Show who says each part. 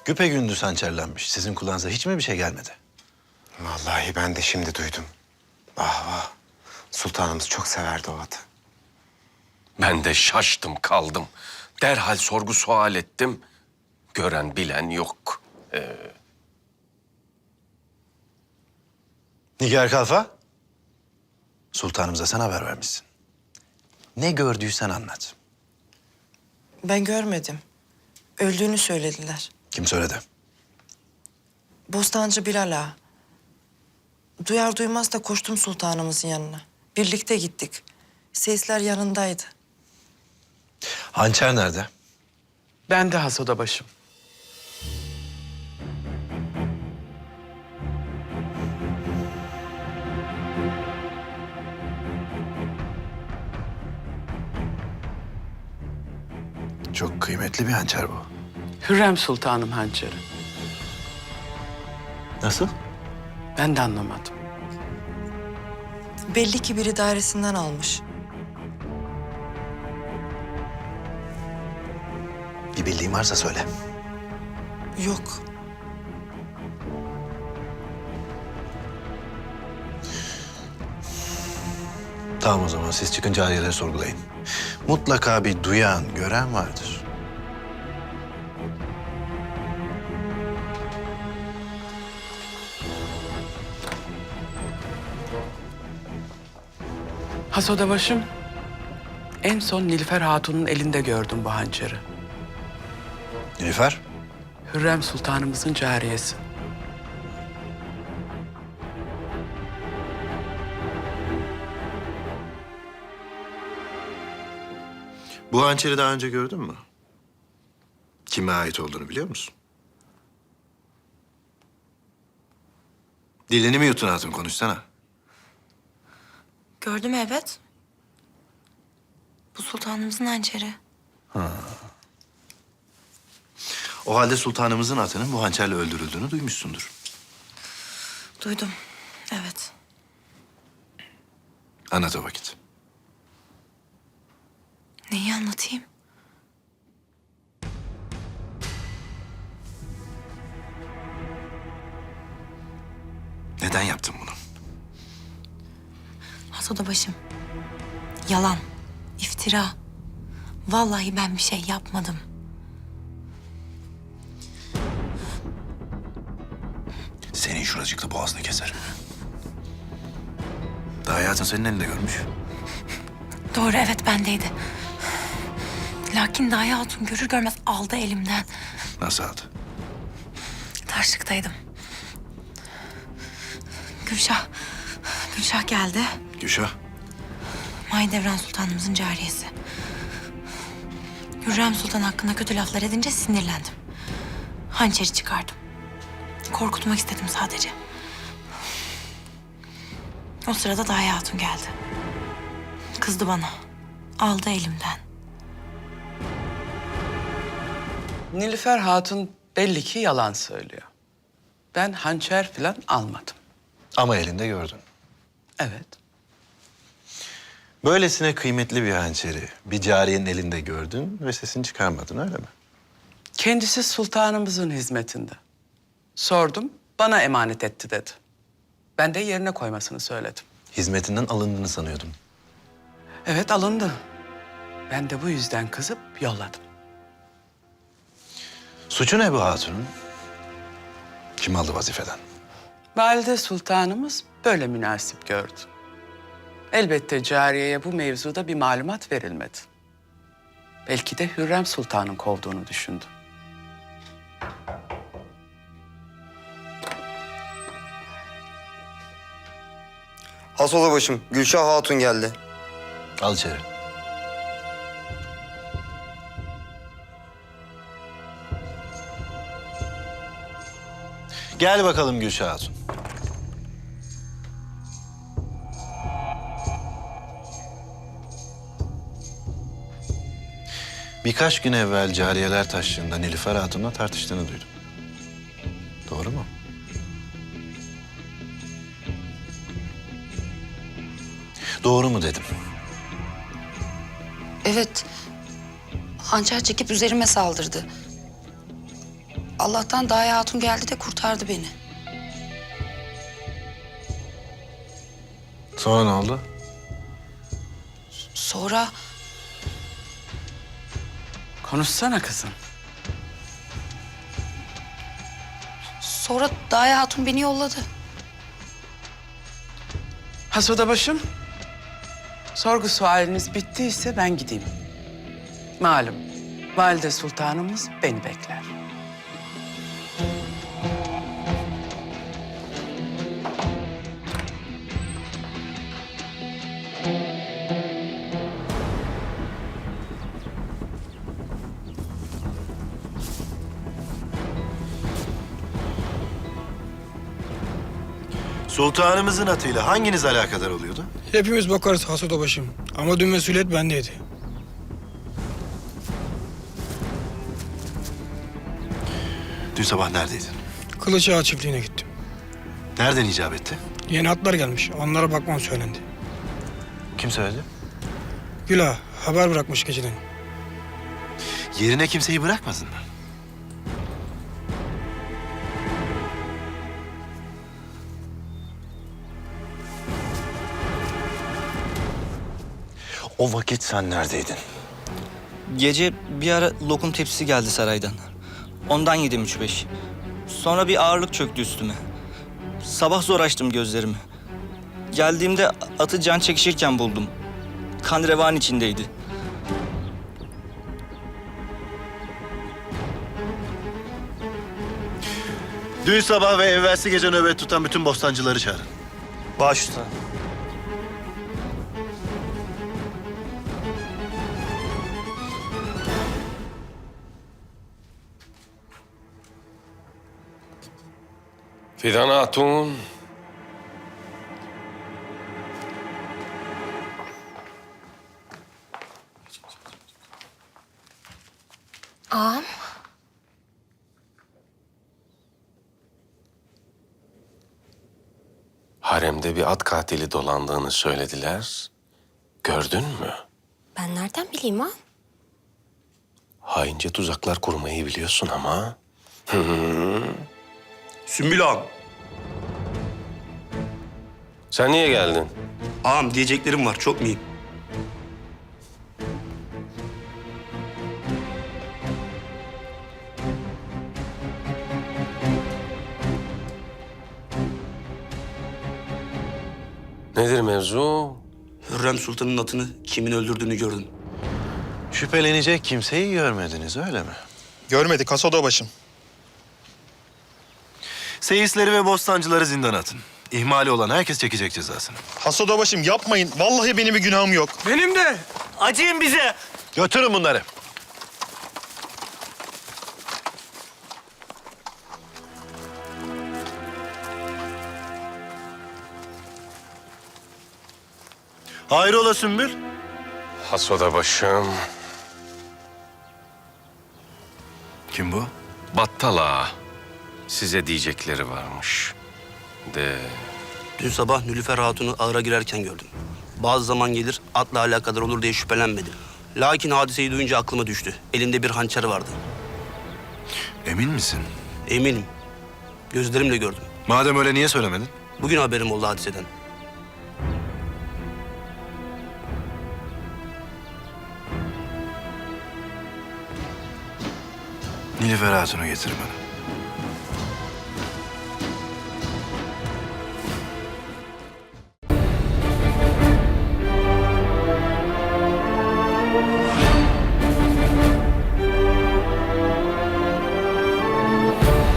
Speaker 1: Güpegündüz hançerlenmiş. Sizin kulağınıza hiç mi bir şey gelmedi?
Speaker 2: Vallahi ben de şimdi duydum. Vah vah. Sultanımız çok severdi o atı.
Speaker 3: Ben de şaştım kaldım. Derhal sorgu sual ettim. Gören bilen yok.
Speaker 1: Nigar Kalfa, sultanımıza sen haber vermişsin. Ne gördüysen anlat.
Speaker 4: Ben görmedim. Öldüğünü söylediler.
Speaker 1: Kim söyledi?
Speaker 4: Bostancı Bilal Ağa. Duyar duymaz da koştum sultanımızın yanına. Birlikte gittik. Sesler yanındaydı.
Speaker 1: Hançer nerede?
Speaker 5: Ben de has odabaşım.
Speaker 1: Çok kıymetli bir hançer bu.
Speaker 5: Hürrem Sultanım hançeri.
Speaker 1: Nasıl?
Speaker 5: Ben de anlamadım.
Speaker 4: Belli ki biri dairesinden almış.
Speaker 1: Bir bildiğin varsa söyle.
Speaker 4: Yok.
Speaker 1: Tamam o zaman siz çıkın cariyeleri sorgulayın. Mutlaka bir duyan, gören vardır.
Speaker 5: Has odabaşım, en son Nilüfer Hatun'un elinde gördüm bu hançeri.
Speaker 1: Nilüfer,
Speaker 5: Hürrem Sultanımızın cariyesi.
Speaker 1: bu hançeri daha önce gördün mü? Kime ait olduğunu biliyor musun? Dilini mi yuttun hatun, konuşsana.
Speaker 6: Gördüm evet. Bu sultanımızın hançeri.
Speaker 1: O halde sultanımızın atının bu hançerle öldürüldüğünü duymuşsundur.
Speaker 6: Duydum. Evet.
Speaker 1: Anlat o vakit.
Speaker 6: Neyi anlatayım?
Speaker 1: Neden yaptın bunu?
Speaker 6: Has başım. Yalan. İftira. Vallahi ben bir şey yapmadım.
Speaker 1: Senin şuracıklı boğazını keserim. Daha hayatın senin elinde görmüş.
Speaker 6: Doğru evet bendeydi. Lakin Daya Hatun görür görmez aldı elimden.
Speaker 1: Nasıl aldı?
Speaker 6: Taşlıktaydım. Gülşah geldi.
Speaker 1: Gülşah.
Speaker 6: Mahidevran Sultanımızın cariyesi. Hürrem Sultan hakkında kötü laflar edince sinirlendim. Hançeri çıkardım. Korkutmak istedim sadece. O sırada Daya Hatun geldi. Kızdı bana. Aldı elimden.
Speaker 5: Nilüfer Hatun belli ki yalan söylüyor. Ben hançer falan almadım.
Speaker 1: Ama elinde gördün.
Speaker 5: Evet.
Speaker 1: Böylesine kıymetli bir hançeri bir cariyenin elinde gördün ve sesini çıkarmadın, öyle mi?
Speaker 5: Kendisi sultanımızın hizmetinde. Sordum, bana emanet etti dedi. Ben de yerine koymasını söyledim.
Speaker 1: Hizmetinden alındığını sanıyordum.
Speaker 5: Evet alındı. Ben de bu yüzden kızıp yolladım.
Speaker 1: Suçu ne bu hatunun? Kim aldı vazifeden?
Speaker 5: Valide Sultanımız böyle münasip gördü. Elbette cariyeye bu mevzuda bir malumat verilmedi. Belki de Hürrem Sultan'ın kovduğunu düşündü.
Speaker 7: Has odabaşım, Gülşah Hatun geldi.
Speaker 1: Al içeri. Gel bakalım Gülşah Hatun. Birkaç gün evvel cariyeler taşlığında Nilüfer Hatun'la tartıştığını duydum. Doğru mu? Doğru mu dedim.
Speaker 8: Evet. Hançer çekip üzerime saldırdı. Allah'tan Daye Hatun geldi de kurtardı beni.
Speaker 1: Sonra ne oldu?
Speaker 8: Sonra
Speaker 5: Konuşsana kızım.
Speaker 8: Daye Hatun beni yolladı.
Speaker 5: Has odabaşım, sorgu sualiniz bittiyse ben gideyim. Malum, valide sultanımız beni bekler.
Speaker 9: Sultanımızın atıyla hanginiz alakadar oluyordu?
Speaker 10: Hepimiz bakarız Hasut Obaşım. Ama dün mesuliyet bendeydi.
Speaker 9: Dün sabah neredeydin?
Speaker 10: Kılıçağa çiftliğine gittim.
Speaker 9: Nereden icap etti?
Speaker 10: Yeni atlar gelmiş. Onlara bakmam söylendi.
Speaker 9: Kim söyledi?
Speaker 10: Güla haber bırakmış geceden.
Speaker 9: Yerine kimseyi bırakmadın mı?
Speaker 1: O vakit sen neredeydin?
Speaker 7: Gece bir ara lokum tepsisi geldi saraydan. Ondan yedim 3-5. Sonra bir ağırlık çöktü üstüme. Sabah zor açtım gözlerimi. Geldiğimde atı can çekişirken buldum. Kan revan içindeydi.
Speaker 9: Dün sabah ve evvelsi gece nöbet tutan bütün bostancıları çağırın.
Speaker 7: Baş üstüne.
Speaker 3: Fidan Hatun.
Speaker 6: Ağam.
Speaker 3: Haremde bir at katili dolandığını söylediler. Gördün mü?
Speaker 6: Ben nereden bileyim ağam?
Speaker 3: Haince tuzaklar kurmayı biliyorsun ama.
Speaker 11: Sümbül ağam.
Speaker 3: Sen niye geldin?
Speaker 11: Ağam diyeceklerim var, çok mühim.
Speaker 3: Nedir mevzu?
Speaker 11: Hürrem Sultan'ın atını kimin öldürdüğünü gördüm.
Speaker 9: Şüphelenecek kimseyi görmediniz öyle mi?
Speaker 12: Görmedik Hasut Obaşım.
Speaker 9: Seyisleri ve bostancıları zindana atın. İhmali olan herkes çekecek cezasını.
Speaker 12: Hasut Obaşım yapmayın. Vallahi benim bir günahım yok.
Speaker 10: Benim de.
Speaker 7: Acıyın bize.
Speaker 9: Götürün bunları. Hayrola Sümbül?
Speaker 3: Hasoda başım.
Speaker 9: Kim bu?
Speaker 3: Battal ağa. Size diyecekleri varmış. De.
Speaker 11: Dün sabah Nülüfer Hatun'u ağıra girerken gördüm. Bazı zaman gelir atla alakadar olur diye şüphelenmedi. Lakin hadiseyi duyunca aklıma düştü. Elinde bir hançer vardı.
Speaker 9: Emin misin?
Speaker 11: Eminim. Gözlerimle gördüm.
Speaker 9: Madem öyle niye söylemedin?
Speaker 11: Bugün haberim oldu hadiseden.
Speaker 9: Nilüfer Hatun'u getir bana.